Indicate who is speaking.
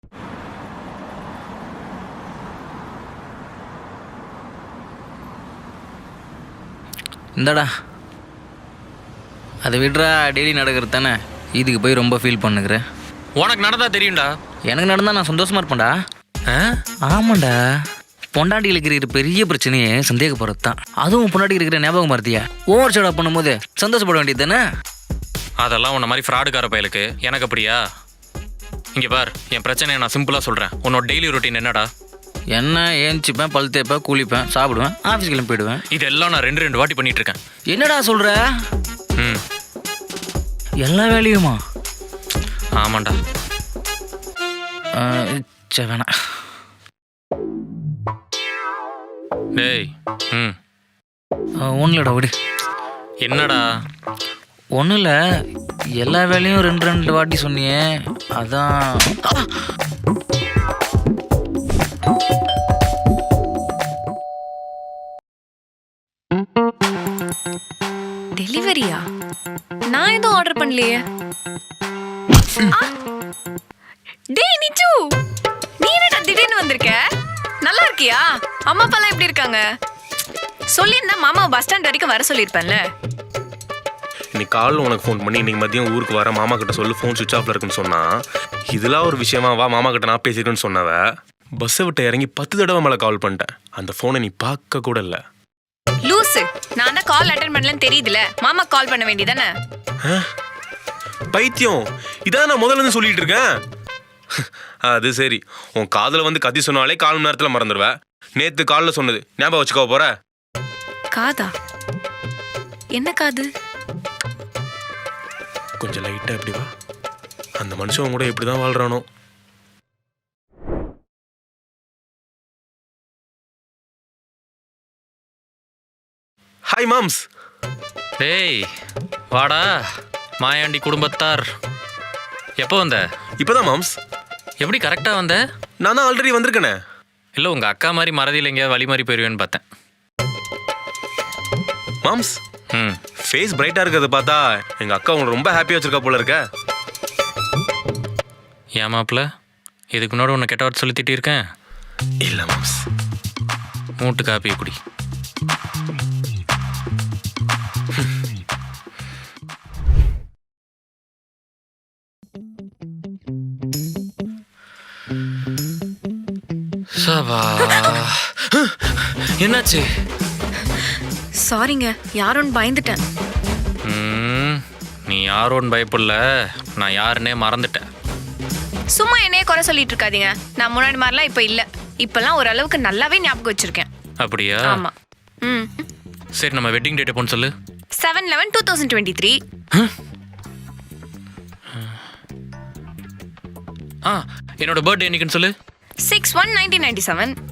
Speaker 1: இந்தாடா, அதை விட்றா. டெய்லி நடக்கிறது தானே, இதுக்கு போய் ரொம்ப ஃபீல் பண்ணுகிற.
Speaker 2: உனக்கு நடந்தா தெரியும்டா.
Speaker 1: எனக்கு நடந்தால் நான் சந்தோஷமாக இருப்பேன்டா. ஆமாண்டா, பொண்டாட்டிகளுக்கு இருக்கிற பெரிய பிரச்சனையே சந்தேகப்படுறது தான். அதுவும் பொண்டாட்டிக்கு இருக்கிற ஞாபகம் மறதியா ஓவர் ஷேடாக பண்ணும்போது சந்தோஷப்பட வேண்டியது தானே.
Speaker 2: அதெல்லாம் உன்ன மாதிரி ஃப்ராடுக்கார பயலுக்கு. எனக்கு அப்படியா? இங்கே பார், என் பிரச்சனையை நான் சிம்பிளாக சொல்கிறேன். உன்னோட டெய்லி ரொட்டீன் என்னடா?
Speaker 1: என்ன, ஏஞ்சிப்பேன், பல் தேய்ப்பேன், குளிப்பேன், சாப்பிடுவேன், ஆஃபீஸ் கிளம்பி போயிடுவேன்.
Speaker 2: இதெல்லாம் நான் ரெண்டு வாட்டி பண்ணிட்டு இருக்கேன்.
Speaker 1: என்னடா சொல்கிற?
Speaker 2: ம்,
Speaker 1: எல்லா வேலையுமா?
Speaker 2: ஆமாண்டா.
Speaker 1: சரி, வேணாம்.
Speaker 2: டேய், ம்,
Speaker 1: ஒன்றும் இல்லைடா, விடு.
Speaker 2: என்னடா?
Speaker 1: ஒன்றும் இல்லை, எல்லா வேலையும் ரெண்டு வாட்டி சொன்னியே, அதான்.
Speaker 3: டெலிவரியா? நான் எதுவும் ஆர்டர் பண்ணலையே. டேய் நிச்சு, நீ என்னடா திடீர்னு வந்திருக்க? நல்லா இருக்கியா? அம்மா அப்பாலாம் எப்படி இருக்காங்க? சொல்லியிருந்தா மாமா பஸ் ஸ்டாண்ட் வரைக்கும் வர சொல்லியிருப்பேன்ல.
Speaker 4: இன்னைக்கு காலையில் உனக்கு ஃபோன் பண்ணி இன்னைக்கு மதியம் ஊருக்கு வர மாமா கிட்ட சொல்லு, ஃபோன் சுவிச் ஆஃப்ல இருக்குன்னு சொன்னா, இதெல்லாம் ஒரு விஷயமா? வா மாமா கிட்ட நான் பேசியிருக்கேன்னு சொன்னவ பஸ்ஸை விட்டு இறங்கி 10 தடவை மேலே கால் பண்ணிட்டேன். அந்த ஃபோனை நீ பார்க்க கூட இல்லை.
Speaker 3: லூசு, நான் தான் கால் அட்டென்ட் பண்ணலன்னு தெரியுதுல, மாமா கால் பண்ண வேண்டியதானே.
Speaker 4: பைத்தியம், இதான் நான் முதல்ல இருந்து சொல்லிட்டு இருக்கேன். அது சரி, உன் காதில் வந்து கத்தி சொன்னாலே 1/4 மணி நேரத்தில் மறந்துடுவேன். நேற்று காலில் சொன்னது ஞாபகம் வச்சுக்கோ போற?
Speaker 3: காதா? என்ன காது?
Speaker 4: கொஞ்சம் லைட்டாக எப்படி வா. அந்த மனுஷன் கூட எப்படி தான் வாழ்றானோ. Hi moms.
Speaker 2: டேய் வாடா, மாயாண்டி குடும்பத்தார். எப்போ வந்த?
Speaker 4: இப்போதான் மாம்ஸ்.
Speaker 2: எப்படி கரெக்டாக வந்த?
Speaker 4: நான் தான் ஆல்ரெடி வந்திருக்கேனே.
Speaker 2: இல்லை, உங்கள் அக்கா மாதிரி மறதியில் எங்கேயாவது வழி மாதிரி போயிடுவேன்னு பார்த்தேன்.
Speaker 4: மாம்ஸ்,
Speaker 2: ம்,
Speaker 4: ஃபேஸ் பிரைட்டாக இருக்கிறத பார்த்தா எங்கள் அக்கா உங்களை ரொம்ப ஹாப்பியாக வச்சிருக்கா போல இருக்க.
Speaker 2: ஏன் மாப்பிள்ள, இதுக்கு முன்னாடி உன்னை கெட்ட வார்த்தை சொல்லி திட்டியிருக்கேன்?
Speaker 4: இல்லை மாம்ஸ்.
Speaker 2: மூட்டு காப்பி குடி. சபா, என்னாச்சு?
Speaker 3: சாரிங்க, யாரோன்னு பயந்துட்டேன்.
Speaker 2: நீ யாரோன்னு பயப்படல, நான் யாருன்னே மறந்துட்டேன்.
Speaker 3: சும்மா என்னையே குறை சொல்லிட்டு இருக்காதீங்க. நான் முன்னாடி மாதிரிலாம் இப்போ இல்லை. இப்பெல்லாம் ஓரளவுக்கு நல்லாவே ஞாபகம் வச்சிருக்கேன்.
Speaker 2: அப்படியா?
Speaker 3: ஆமா. ம்,
Speaker 2: சரி, நம்ம வெட்டிங் டேட் எப்போன்னு சொல்லு.
Speaker 3: 7/11/2023.
Speaker 2: என்னோட பர்த்டே என்னைக்குன்னு சொல்லு.
Speaker 3: 6/1/1997.